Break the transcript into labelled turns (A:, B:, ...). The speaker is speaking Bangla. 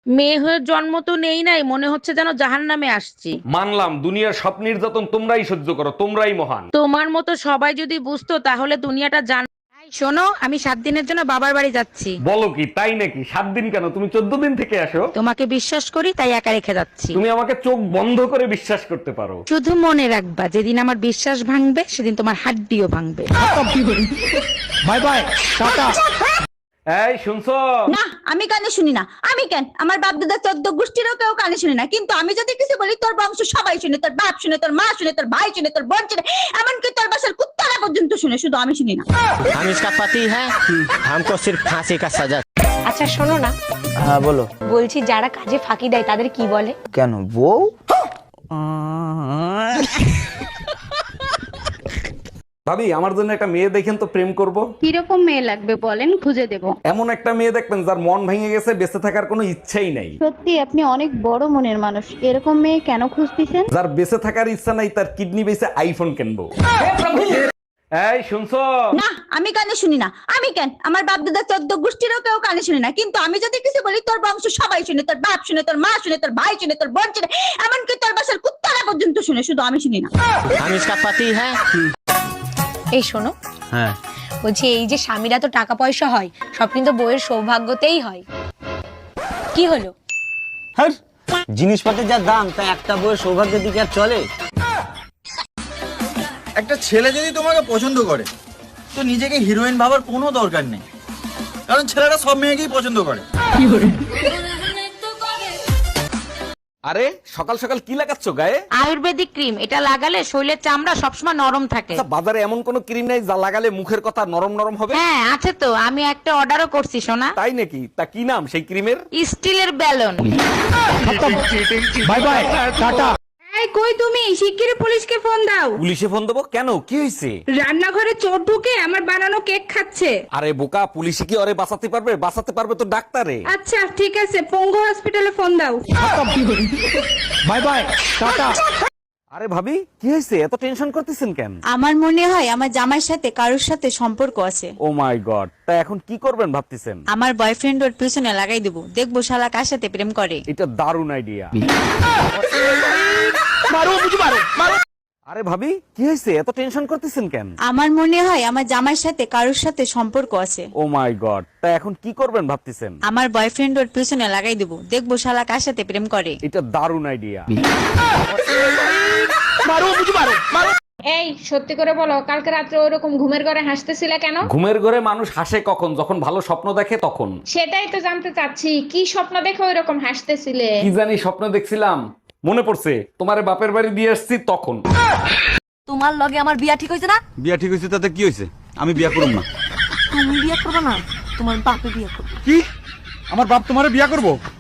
A: মেয়ে হয়ে জন্ম তো নেই নাই, মনে হচ্ছে যেন জাহান্নামে আসছি।
B: মানলাম দুনিয়ার সব নির্যাতন তোমরাই সহ্য করো, তোমরাই মহান।
A: তোমার মতো সবাই যদি বুঝতো তাহলে দুনিয়াটা এই শোনো, আমি 7 দিনের জন্য বাবার বাড়ি যাচ্ছি।
B: বলো কি, তাই নাকি? 7 দিন কেন, তুমি 14 দিন থেকে আসো।
A: তোমাকে বিশ্বাস করি তাই একা রেখে যাচ্ছি।
B: তুমি আমাকে চোখ বন্ধ করে বিশ্বাস করতে পারো।
A: শুধু মনে রাখবা, যেদিন আমার বিশ্বাস ভাঙবে সেদিন তোমার হাড্ডিও ভাঙবে।
B: Bye bye, tata. এই শুনছো?
C: না, আমি কানে শুনি না। আমি কেন, আমার বাপ দাদা 14 গোষ্ঠীরও কেউ কানে শুনে না, কিন্তু আমি যদি কিছু বলি তোর বংশ সবাই শুনে, তোর বাপ শুনে, তোর মা শুনে, তোর ভাই শুনে, তোর বোন শুনে, এমনকি তোর বাসার কুত্তারা পর্যন্ত শুনে, শুধু আমি শুনি না।
D: हम इसका पति है, हमको सिर्फ फांसी का सजा।
E: আচ্ছা শোনো না,
F: হ্যাঁ বলো।
E: বলছি যারা কাজে ফাঁকি দেয় তাদের কি বলে?
F: কেন বউ?
B: ভাবি, আমার জন্য একটা মেয়ে দেখেন তো, প্রেম করব।
G: কিরকম মেয়ে লাগবে বলেন, খুঁজে দেব।
B: এমন একটা মেয়ে দেখবেন যার মন ভেঙে গেছে, বেঁচে থাকার কোনো ইচ্ছাই নাই।
G: সত্যি আপনি অনেক বড় মনের মানুষ, এরকম মেয়ে কেন খুঁজতেছেন?
B: যার বেঁচে থাকার ইচ্ছা নাই, তার কিডনি বেঁচে আইফোন কিনবো। এই শুনছো?
C: না, আমি কানে শুনি না। আমি কেন, আমার বাপ দাদা 14 গোষ্ঠীরও কেউ কানে শুনে না, কিন্তু আমি যদি কিছু বলি তোর বংশ সবাই শুনে, তোর বাপ শুনে, তোর মা শুনে, তোর ভাই শুনে, তোর বোন শুনে, এমনকি তোর বাসার কুত্তারা পর্যন্ত শুনে, শুধু আমি শুনি না।
D: हम इसका पति है।
E: এই শোনো,
F: হ্যাঁ
E: বলছি এই যে স্বামীরা তো টাকা পয়সা হয়, সব কিন্তু বইয়ের সৌভাগ্যতেই হয়। কি হলো?
F: হ্যাঁ, জিনিসপত্রের যা দাম, তা একটা বইয়ের সৌভাগ্যের দিকে আর চলে?
H: একটা ছেলে যদি তোমাকে পছন্দ করে তো নিজেকে হিরোইন ভাবার কোনো দরকার নেই, কারণ ছেলেরা সব মেয়েকেই পছন্দ করে।
B: আরে সকাল সকাল কি লাগাচ্ছ গায়ে?
A: আয়ুর্বেদিক ক্রিম, এটা লাগালে শরীরের চামড়া সবসময় নরম থাকে।
B: আচ্ছা, বাজারে এমন কোন ক্রিম নাই যা লাগালে মুখের কথা নরম নরম হবে?
A: হ্যাঁ আছে তো, আমি একটা অর্ডারও করছি সোনা।
B: তাই নাকি? তা কি নাম সেই ক্রিমের?
A: স্টিলের ব্যালন।
B: By bye, tata.
G: এই কই তুমি, শিগগিরই পুলিশকে ফোন দাও।
B: পুলিশে ফোন দেবো কেন? কি হয়েছে?
G: রান্নাঘরে চোর ঢুকে আমার বানানো কেক খাচ্ছে।
B: আরে বোকা, পুলিশে কি ওরে বাঁচাতে পারবে? বাঁচাতে পারবে তো ডাক্তারে।
G: আচ্ছা ঠিক আছে, পঙ্গু হসপিটালে ফোন দাও।
B: Bye bye, tata. আরে ভাবি, কি হয়েছে? এত টেনশন করতেছেন কেন?
C: আমার মনে হয় আমার জামাইয়ের সাথে কারোর সাথে সম্পর্ক আছে।
B: ও মাই গড, তা এখন কি করবেন ভাবতেছেন?
C: আমার বয়ফ্রেন্ড ওর পিছনে লাগাই দেবো, দেখবো শালা কার সাথে প্রেম করে।
B: এটা দারুণ আইডিয়া। আরে ভাবি, কি হয়েছে? এত টেনশন করতেছেন কেন?
C: আমার মনে হয় আমার জামাইয়ের সাথে কারোর সাথে সম্পর্ক আছে।
B: ও মাই গড, তা এখন কি করবেন ভাবতেছেন?
C: আমার বয়ফ্রেন্ড ওর পিছনে লাগাই দেবো, দেখবো শালা কার সাথে প্রেম করে।
B: এটা দারুণ আইডিয়া।
G: এই সত্যি করে বলো, কালকে রাত্রে ওরকম ঘুমের ঘরে হাসতেছিলে কেন?
B: ঘুমের ঘরে মানুষ হাসে কখন? যখন ভালো স্বপ্ন দেখে তখন।
G: সেটাই তো জানতে চাচ্ছি, কি স্বপ্ন দেখে ওইরকম হাসতেছিলে?
B: কি জানি স্বপ্ন দেখছিলাম, মনে পড়ছে তোমারে বাপের বাড়ি দিয়ে আসছি তখন।
C: তোমার লগে আমার বিয়া ঠিক হয়েছে না?
H: বিয়া ঠিক হয়েছে তাতে কি হয়েছে? আমি বিয়া করব না।
C: তুমি বিয়া করবে না, তোমার বাপে বিয়া করবে।
H: কি? আমার বাপ তোমারে বিয়া করবো?